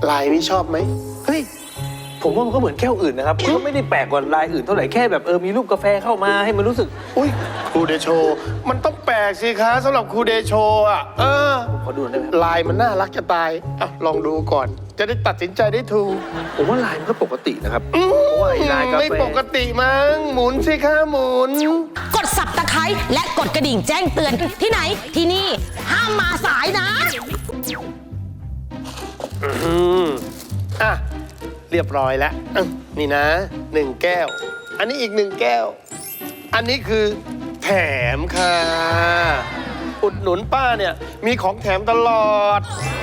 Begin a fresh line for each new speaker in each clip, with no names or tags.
ลายนี้ชอบไหม
เฮ้ยผมว่ามันก็เหมือนแก้วอื่นนะครับมันก็ไม่ได้แปลกกว่าลายอื่นเท่าไหร่แค่แบบมีรูปกาแฟเข้ามาให้มันรู้สึก
อุ้ยครูเดโชมันต้องแปลกสิคะสำหรับครูเดโชอ่ะ
ขอดูได้ไหม
ลายมันน่ารักจะตายอ่ะลองดูก่อนจะได้ตัดสินใจได้ถูก
ผมว่าลายมันก็ปกตินะครับเพราะว่าลายกาแฟ
ไม่ปกติมั้งหมุนสิคะหมุน
กด Subscribe และกดกระดิ่งแจ้งเตือนที่ไหนที่นี่ห้ามมาสายนะ
อ่ะเรียบร้อยแล้วนี่นะ1 แก้วอันนี้อีก1 แก้วอันนี้คือแถมค่ะอุดหนุนป้าเนี่ยมีของแถมตลอด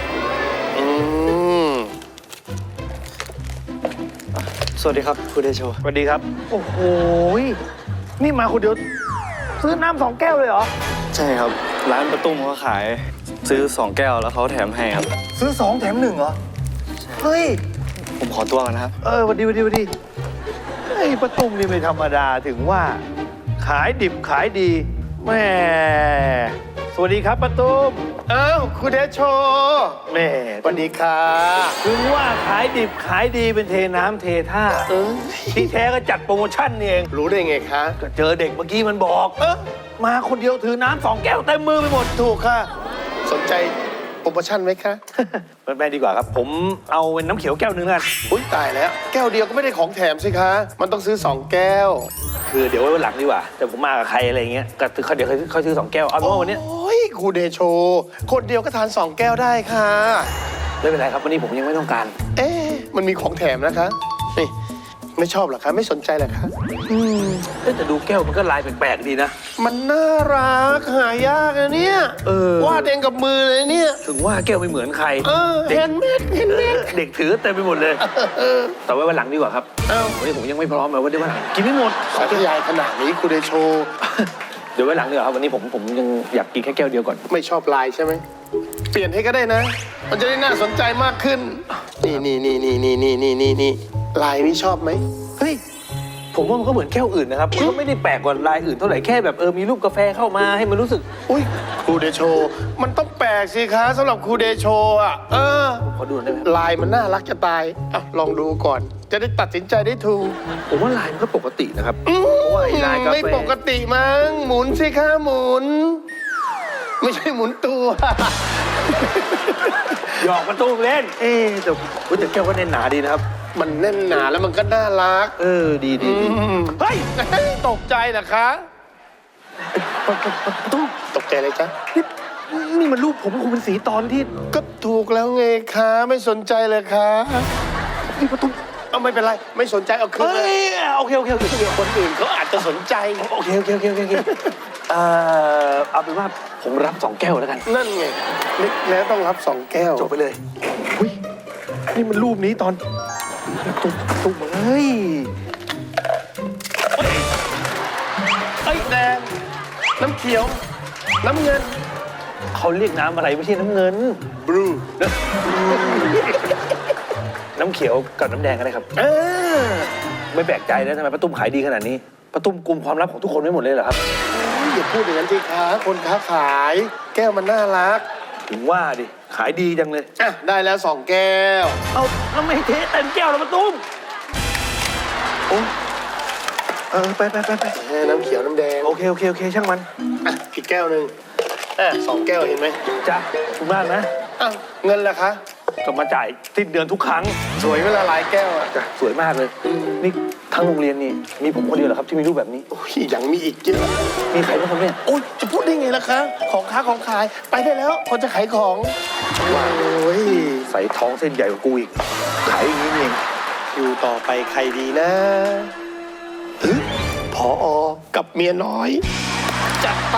สวัสดีครับคุณเดโช
สวัสดีครับโอ้โหนี่มาคนเดียวซื้อน้ำ2 แก้วเลยเหรอ
ใช่ครับร้านประตุ้มเขาขายซื้อ2 แก้วแล้วเขาแถมให้ครับ
ซื้อ2 แถม 1เหรอเฮ้ย
ผมขอตัวกันนะครับ
สวัสดีเฮ้ยป้าตุ้มนี่ไม่ธรรมดาถึงว่าขายดิบขายดีแม่สวัสดีครับป้าตุ้ม
คุณเดโช
แม่
สวัสดีค่ะ
ถึงว่าขายดิบขายดีเป็นเทน้ำเทท่าที่แท้ก็จัดโปรโมชั่นนี่เอง
รู้ได้ไงคะ
ก็เจอเด็กเมื่อกี้มันบอกมาคนเดียวถือน้ำ2 แก้วเต็มมือไปหมด
ถูกค่ะสนใจโปรโมชั่นไหมคะ
ไม่ดีกว่าครับผมเอาเป็นน้ำเขียวแก้ว 1นั่น
อุ้ยตายแล้วแก้วเดียวก็ไม่ได้ของแถมสิคะมันต้องซื้อ2 แก้ว
คือเดี๋ยวไว้วันหลังดีกว่าแต่ผมมากับใครอะไรเงี้ยก็เดี๋ยวเขาซื้อ2 แก้วเอาเป็นว่าวันนี้
โอ้ยครูเดโชคนเดียวก็ทาน2 แก้วได้ค่ะ
ไม่เป็นไรครับวันนี้ผมยังไม่ต้องการ
มันมีของแถมนะคะนี่ไม่ชอบหรอคะไม่สนใจหรอคะ
แต่ดูแก้วมันก็ลายแปลกๆดีนะ
มันน่ารักหายากนะเนี่ยวาดเองกับมือเลยเนี่ย
ถึงว่าแก้วไม่เหมือนใคร
เห็นเม็ด
เด็กถือเต็มไปหมดเลยแต่ไว้วันหลังดีกว่าครับวันนี้ผมยังไม่พร้อมเลยว่าเดี๋ยววันหลังกินไม่หมด
สาธยายขนาดนี้ครูเดโช
เดี๋ยวไว้หลังดีกว่าครับวันนี้ผมยังอยากกินแค่แก้วเดียวก่อน
ไม่ชอบลายใช่ไหมเปลี่ยนให้ก็ได้นะมันจะได้น่าสนใจมากขึ้นนี่ลายนี้ชอบไหม
เฮ้ยผมว่ามันก็เหมือนแก้วอื่นนะครับมันก็ไม่ได้แปลกกว่าลายอื่นเท่าไหร่แค่แบบมีรูปกาแฟเข้ามาให้มันรู้สึก
อุ้ยครูเดโชมันต้องแปลกสิคะสำหรับครูเดโชอ่ะ
ขอดูได้ไหม
ลายมันน่ารักจะตายลองดูก่อนจะได้ตัดสินใจได้ถูก
ผมว่าลายมันก็ปกตินะครับเพราะว่าลายกาแฟ
ไม่ปกติมั้งหมุนสิคะหมุนไม่ใช่หมุนตัว
หยอกประตูเล่นแต่แก้วก็แน่นหนาดีนะครับ
มันแน่นหนาแล้วมันก็น่ารัก
ดี
เฮ้ยตกใจเหรอคะ
ตู้
ตกใจเลยจ๊ะ
นี่มันรูปผมคงเป็นสีตอนที่
ก็ถูกแล้วไงคะไม่สนใจเลยคะ
นี่ประตู
ไม่เป็นไรไม่สนใจเอาคืนเลย
โอเค
คนอื่นเขาอาจจะสนใจ
โอเคเอาเป็นว่าผมรับ2 แก้วแล้วกัน
นั่นไงนึกแล้วต้องรับ2 แก้ว
จบไปเลยอุ้ยนี่มันรูปนี้ตอนตุ้มเฮ้ย
แดงน้ำเขียวน้ำเงิน
เขาเรียกน้ำอะไรไม่ใช่น้ำเงิน
บลู
น้ำเขียวกับน้ำแดงกันเลยครับไม่แปลกใจนะทำไมป้าตุ้มขายดีขนาดนี้ป้าตุ้มกุมความลับของทุกคนไม่หมดเลยเหรอครับ
อย่าพูดอย่างนั้นสิคะคนค้าขายแก้วมันน่ารัก
ถึงว่าดิขายดีจังเลย
ได้แล้ว2 แก้ว
แล้วไม่เทเต็มแก้วแล้วป้าตุ้มไป
น้ำเขียวน้ำแดง
โอเคช่างมัน
อีกแก้ว 1 2 แก้วเห็นไหม
จ้ะขอบคุณมากนะ
เงินล่ะคะ
ก็มาจ่ายสิ้นเดือนทุกครั้ง
สวยเวลาหลายแก้ว
จ้ะสวยมากเลยนี่ทั้งโรงเรียนนี่มีผมคนเดียวเหรอครับที่มีรูปแบบนี้
ยังมีอีกเยอะ
มีใครบ้างครับเนี่ย
จะพูดได้ไงล่ะคะของค้าของขายไปได้แล้วคนจะขายของว้าว
ใส่ท้องเส้นใหญ่กว่ากูอีกขายอย่างนี้เอง
อยู่ต่อไปใครดีนะผอ.กับเมียน้อยจัดไป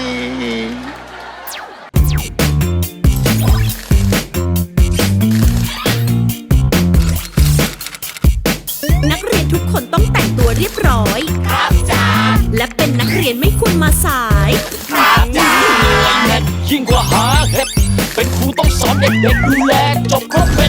นักเรียนทุกคนต้องแต่งตัวเรียบร้อยครับจ้าและเป็นนักเรียนไม่ควรมาสายครับจ้ายิ่งกว่าหาเห็ดเป็นครูต้องสอนเด็กๆดูแลจบครบ